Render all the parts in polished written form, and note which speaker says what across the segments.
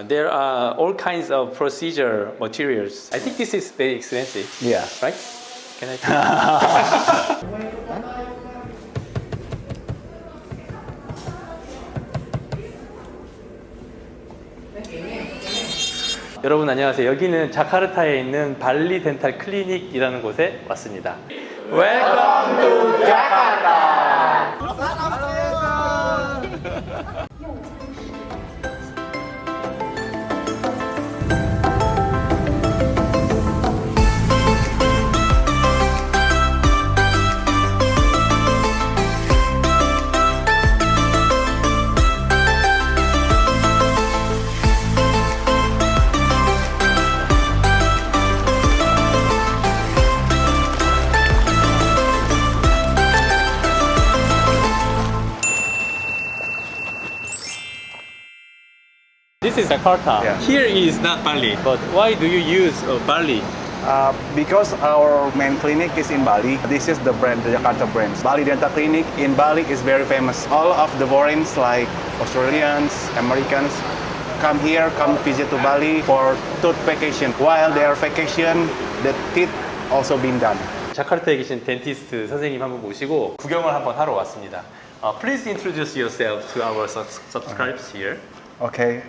Speaker 1: There are all kinds of procedure materials. I think this is very expensive,
Speaker 2: Yeah.
Speaker 1: right? Can I? 여러분 안녕하세요. 여기는 자카르타에 있는 발리 덴탈 클리닉이라는 곳에 왔습니다. Welcome to Jakarta. This is Jakarta.
Speaker 2: Yeah.
Speaker 1: Here is not Bali. But why do you use Bali?
Speaker 2: Because our main clinic is in Bali. This is the brand, the Jakarta brand. Bali Dental Clinic in Bali is very famous. All of the foreigners like Australians, Americans come here, come visit to Bali for tooth vacation. While they are vacation, the teeth also been done.
Speaker 1: 자카르타에 계신 덴티스트 선생님 한번 모시고 구경을 한번 하러 왔습니다. Please introduce yourself to our subscribers here.
Speaker 2: Okay.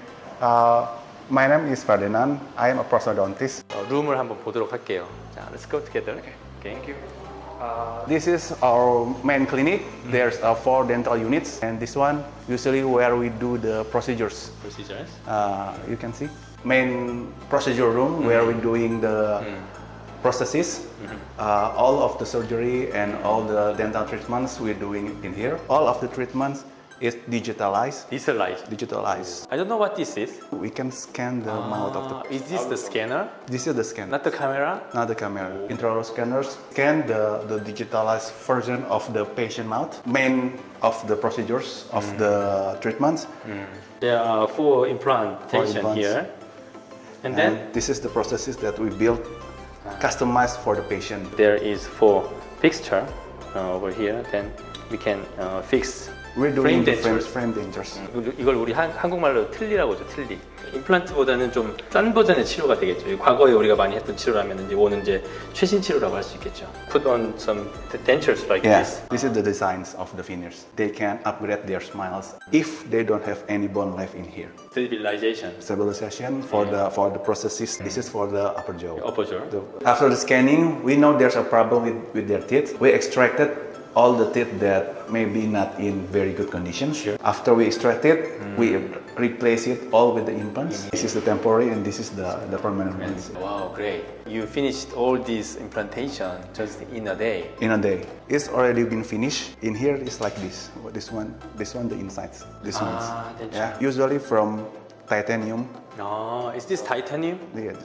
Speaker 2: My name is Ferdinand. I am a prosthodontist.
Speaker 1: 룸을 한번 보도록 할게요. 자, let's go together. Okay. Thank you.
Speaker 2: This is our main clinic. There's 4 dental units, and this one usually where we do the procedures.
Speaker 1: Procedures.
Speaker 2: You can see main procedure room where we're doing the prosthesis. All of the surgery and all the dental treatments we're doing in here. All of the treatments is digitalized.
Speaker 1: Digitalized. I don't know what this is.
Speaker 2: We can scan the mouth of the.
Speaker 1: Is this the scanner?
Speaker 2: This is the scanner.
Speaker 1: Not the camera?
Speaker 2: Not the camera. Intraoral scanners scan the digitalized version of the patient mouth. Main of the procedures of the treatments.
Speaker 1: There are 4 implantation here. And then
Speaker 2: this is the processes that we built, customized for the patient.
Speaker 1: there is 4 fixture over here. Then we can fix
Speaker 2: We're doing
Speaker 1: frame
Speaker 2: different
Speaker 1: dentures.
Speaker 2: frame dentures.
Speaker 1: 이걸 우리 한국말로 틀리라고 하죠. 틀리. 임플란트보다는 좀 싼 버전의 치료가 되겠죠. 과거에 우리가 많이 했던 치료라면 이거는 이제 최신 치료라고 할 수 있겠죠. Put on some dentures like
Speaker 2: Yes,
Speaker 1: this.
Speaker 2: this is the designs of the veneers. They can upgrade their smiles if they don't have any bone left in here.
Speaker 1: Stabilization.
Speaker 2: Stabilization for the processes. This is for the upper jaw.
Speaker 1: Upper jaw.
Speaker 2: After the scanning, we know there's a problem with their teeth. We extracted all the teeth that may be not in very good condition.
Speaker 1: Sure.
Speaker 2: After we extract it, we replace it all with the implants. This is the temporary and this is the permanent ones.
Speaker 1: Wow, great. You finished all this implantation just in a day.
Speaker 2: In a day. It's already been finished. In here it's like this. This one, the insides. This ones.
Speaker 1: denture.
Speaker 2: Yeah. Usually from titanium.
Speaker 1: Is this titanium?
Speaker 2: Yes.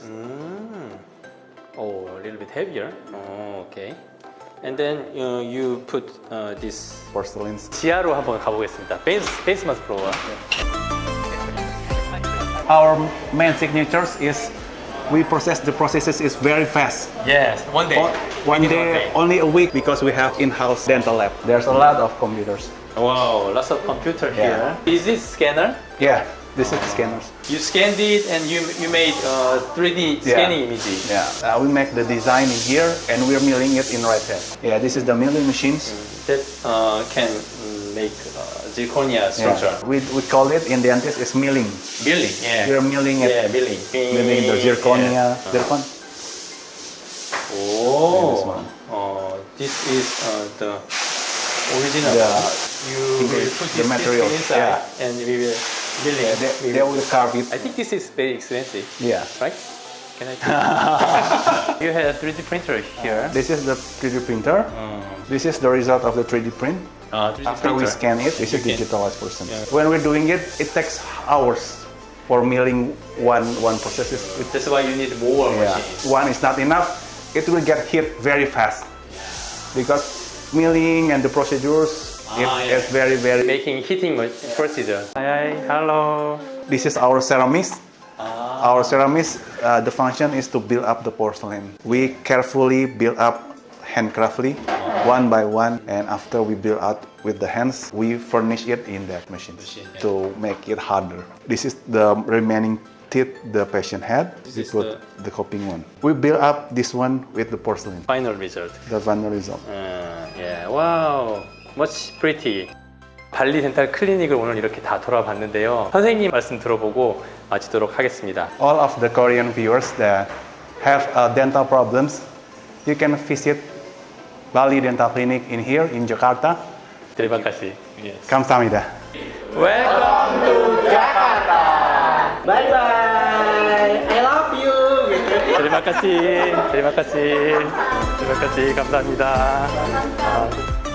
Speaker 1: Oh, a little bit heavier. Oh, okay. And then you put this
Speaker 2: Porcelains.
Speaker 1: 지하로 한번 가보겠습니다. Basement floor.
Speaker 2: Our main signatures is we process the processes is very fast.
Speaker 1: Yes, one day.
Speaker 2: One day, only a week because we have in-house dental lab. There's a lot of computers.
Speaker 1: Wow, lots of computer
Speaker 2: Yeah.
Speaker 1: here. Is this scanner?
Speaker 2: Yeah, this is the scanners.
Speaker 1: You scanned it and you made 3D scanning images.
Speaker 2: Yeah, we make the design in here and we're milling it in right here. Yeah, this is the milling machines.
Speaker 1: That can make zirconia structure.
Speaker 2: Yeah. We call it in dentist is milling.
Speaker 1: Milling, yeah.
Speaker 2: We're milling it.
Speaker 1: Yeah, milling.
Speaker 2: Milling the zirconia.
Speaker 1: Yeah.
Speaker 2: Zircon.
Speaker 1: Oh,
Speaker 2: this one.
Speaker 1: This is the original.
Speaker 2: Yeah.
Speaker 1: You will put
Speaker 2: The
Speaker 1: this
Speaker 2: material,
Speaker 1: inside
Speaker 2: yeah.
Speaker 1: and we will milling.
Speaker 2: They will carve it.
Speaker 1: I think this is very expensive.
Speaker 2: Yeah.
Speaker 1: Right? Can I? You had a 3D printer here.
Speaker 2: This is the 3D printer. This is the result of the 3D print.
Speaker 1: 3D
Speaker 2: After we
Speaker 1: printer.
Speaker 2: scan it, this is
Speaker 1: Okay.
Speaker 2: digitalized version.
Speaker 1: Yeah.
Speaker 2: When we're doing it, it takes hours for milling one process.
Speaker 1: That's why you need more
Speaker 2: Yeah.
Speaker 1: machines.
Speaker 2: One is not enough. It will get hit very fast because milling and the procedures is very
Speaker 1: Making hitting procedure. Hi, hello.
Speaker 2: This is our ceramics. Our ceramics, the function is to build up the porcelain. We carefully build up handcraftly, one by one, and after we build out with the hands, we furnish it in that machine to make it harder. This is the remaining teeth the patient had, we
Speaker 1: is
Speaker 2: put the coping one. We build up this one with the porcelain,
Speaker 1: Final result.
Speaker 2: the final result.
Speaker 1: Yeah. Wow. Much pretty. 발리 덴탈 클리닉을 오늘 이렇게 다 돌아봤는데요. 선생님 말씀 들어보고 마치도록 하겠습니다.
Speaker 2: All of the Korean viewers that have dental problems, you can visit Bali Dental Clinic in here in Jakarta.
Speaker 1: Terima kasih. Yes.
Speaker 2: Kamsahamnida.
Speaker 1: Welcome to Jakarta.
Speaker 3: Bye bye. I love you.
Speaker 1: Terima kasih. Terima kasih. Terima kasih. 감사합니다.